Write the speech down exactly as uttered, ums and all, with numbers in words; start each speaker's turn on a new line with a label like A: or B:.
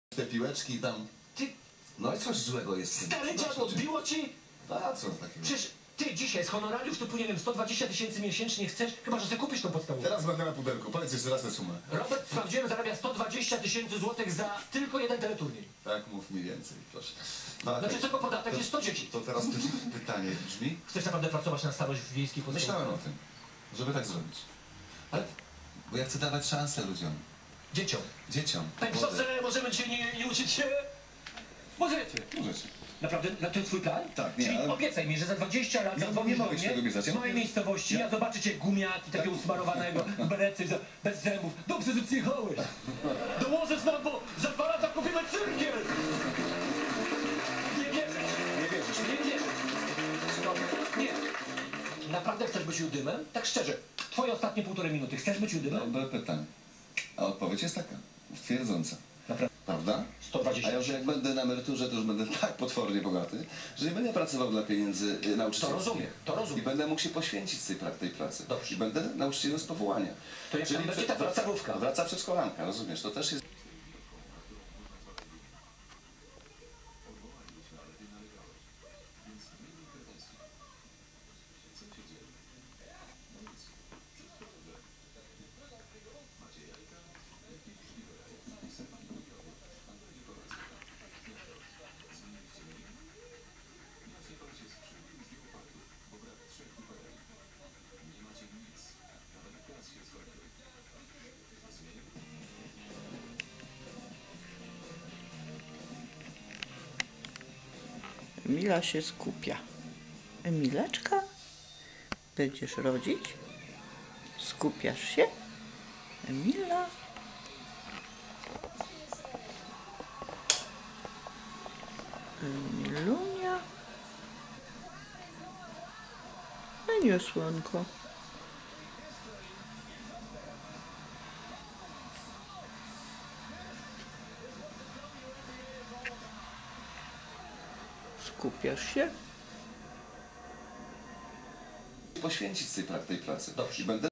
A: Te piłeczki tam...
B: Ty,
A: No i coś złego jest.
B: stary dziadu, odbiło ci?
A: A co takiego?
B: Przecież ty dzisiaj z honorariusz to nie wiem, sto dwadzieścia tysięcy miesięcznie chcesz, chyba że sobie kupisz tą podstawówkę.
A: Teraz będę na pudełku. Powiedz jeszcze raz tę sumę.
B: Robert, sprawdziłem, zarabia sto dwadzieścia tysięcy złotych za tylko jeden teleturniej.
A: Tak, mów mi więcej, proszę. No,
B: Znaczy
A: tak,
B: tylko podatek
A: to,
B: jest sto dzieci.
A: to teraz py pytanie brzmi.
B: Chcesz naprawdę pracować na starość w wiejskiej podstawówce?
A: Myślałem o tym, żeby tak zrobić. Ale... Bo ja chcę dawać szansę ludziom.
B: Dzieciom.
A: Dzieciom.
B: Panie profesorze, możemy dzisiaj nie, nie uczyć się? Możecie.
A: Możecie.
B: Naprawdę? To jest twój plan?
A: Tak, nie,
B: Czyli
A: ale-
B: obiecaj mi, że za dwadzieścia lat
A: No,
B: zadzwonisz
A: nie
B: do
A: mogę ci
B: mnie
A: tego obiecać.
B: z mojej miejscowości, ja zobaczę cię gumiaki, takiego usmarowanego, w berecie, za- bez zębów. Dobrze, że przyjechałeś. Dołożysz nam, bo za dwa lata kupimy cyrkiel. Nie wierzę.
A: Nie wierzysz?
B: Nie wierzę. Nie. Naprawdę chcesz być Judymem? Tak szczerze. Twoje ostatnie półtorej minuty. Chcesz być Judymem?
A: Dobre pytanie. A odpowiedź jest taka. Twierdząca.
B: Naprawdę.
A: Prawda?
B: sto
A: A
B: dwadzieścia.
A: ja już jak będę na emeryturze, to już będę tak potwornie bogaty, że nie będę pracował dla pieniędzy y,
B: To
A: nauczycielskich.
B: rozumiem, to
A: I
B: rozumiem.
A: będę mógł się poświęcić tej, pra tej pracy.
B: Dobrze.
A: I będę nauczycielem z powołania.
B: To jak tam będzie ta
A: wraca,
B: podstawówka?
A: wraca przedszkolanka, rozumiesz? To też jest...
C: Emila się skupia. Emileczka? Będziesz rodzić? Skupiasz się? Emila? Emilunia? A nie, słonko. Skupiasz się?
A: Poświęcić tej, pra tej pracy.
B: Dobrze.
A: I będę